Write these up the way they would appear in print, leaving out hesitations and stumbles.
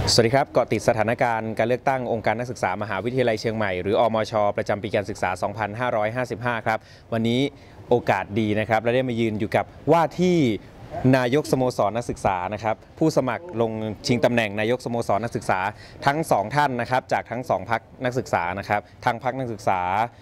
สวัสดีครับเกาะติดสถานการณ์การเลือกตั้งองค์การนักศึกษามหาวิทยาลัยเชียงใหม่หรืออมชประจำปีการศึกษา 2555 ครับวันนี้โอกาสดีนะครับและได้มายืนอยู่กับว่าที่นายกสโมสรนักศึกษานะครับผู้สมัครลงชิงตำแหน่งนายกสโมสรนักศึกษาทั้ง2ท่านนะครับจากทั้ง2พรรคนักศึกษานะครับทั้งพรรคนักศึกษา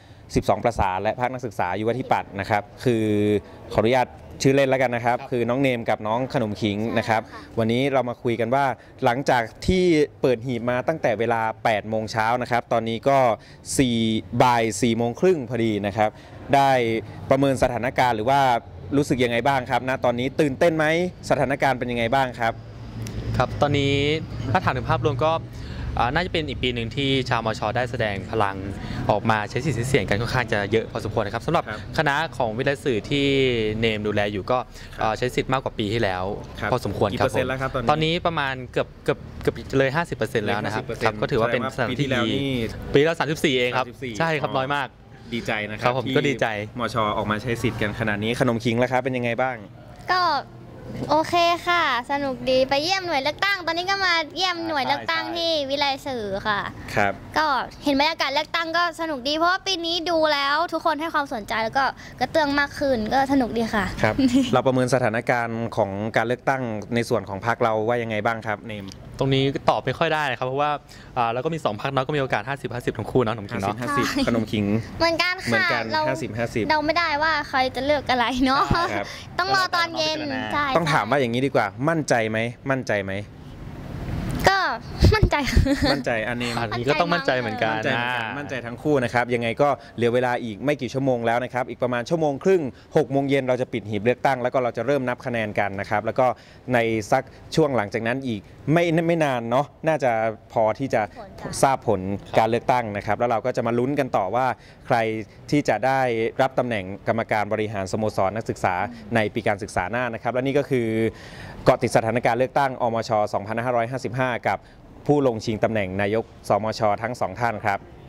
12ประสานและพรรคนักศึกษายุวธิปัตย์นะครับคือขออนุญาตชื่อเล่นแล้วกันนะครับคือน้องเนมกับน้องขนมขิงนะครับวันนี้เรามาคุยกันว่าหลังจากที่เปิดหีบมาตั้งแต่เวลา8โมงเช้านะครับตอนนี้ก็บ่าย4โมงครึ่งพอดีนะครับได้ประเมินสถานการณ์หรือว่ารู้สึกยังไงบ้างครับณตอนนี้ตื่นเต้นไหมสถานการณ์เป็นยังไงบ้างครับครับตอนนี้ถ้าถามถึงภาพรวมก็น่าจะเป็นอีกปีหนึ่งที่ชาวมชได้แสดงพลังออกมาใช้สิทธิ์ใช้เสียงกันค่อนข้างจะเยอะพอสมควรนะครับสำหรับคณะของวิทยาสื่อที่เนมดูแลอยู่ก็ใช้สิทธิ์มากกว่าปีที่แล้วพอสมควรครับตอนนี้ประมาณเกือบเลย 50% แล้วนะครับก็ถือว่าเป็นสถานที่ดีปีละ34เองครับใช่ครับน้อยมากดีใจนะครับผมก็ดีใจมชออกมาใช้สิทธิ์กันขนาดนี้ขนมขิงแล้วครับเป็นยังไงบ้างก็โอเคค่ะสนุกดีไปเยี่ยมหน่วยเลือกตั้งตอนนี้ก็มาเยี่ยมหน่วยเลือกตั้งที่วิไลสื่อค่ะครับก็เห็นบรรยากาศเลือกตั้งก็สนุกดีเพราะว่าปีนี้ดูแล้วทุกคนให้ความสนใจแล้วก็กระเตื้องมากขึ้นก็สนุกดีค่ะครับ เราประเมินสถานการณ์ของการเลือกตั้งในส่วนของพรรคเราว่ายังไงบ้างครับเนมตรงนี้ตอบไม่ค่อยได้ครับเพราะว่าเราก็มี2พรรคเนาะก็มีโอกาส50-50ทั้งคู่เนาะขนมขิงเนาะ 50-50ขนมขิงเหมือนกันค่ะเรา50-50เราไม่ได้ว่าใครจะเลือกอะไรเนาะต้องรอตอนเย็นใช่ต้องถามว่าอย่างนี้ดีกว่ามั่นใจไหมก็มั่นใจอันนี้ก็ต้องมั่นใจเหมือนกันมั่นใจทั้งคู่นะครับยังไงก็เหลือเวลาอีกไม่กี่ชั่วโมงแล้วนะครับอีกประมาณชั่วโมงครึ่ง6โมงเย็นเราจะปิดหีบเลือกตั้งแล้วก็เราจะเริ่มนับคะแนนกันนะครับแล้วก็ในสักช่วงหลังจากนั้นอีกไม่นานเนาะน่าจะพอที่จะทราบผลการเลือกตั้งนะครับแล้วเราก็จะมาลุ้นกันต่อว่าใครที่จะได้รับตำแหน่งกรรมการบริหารสโมสรนักศึกษาในปีการศึกษาหน้านะครับและนี่ก็คือเกาะติดสถานการณ์เลือกตั้งอมช 2555 กับผู้ลงชิงตำแหน่งนายกสมช ทั้ง2ท่านครับ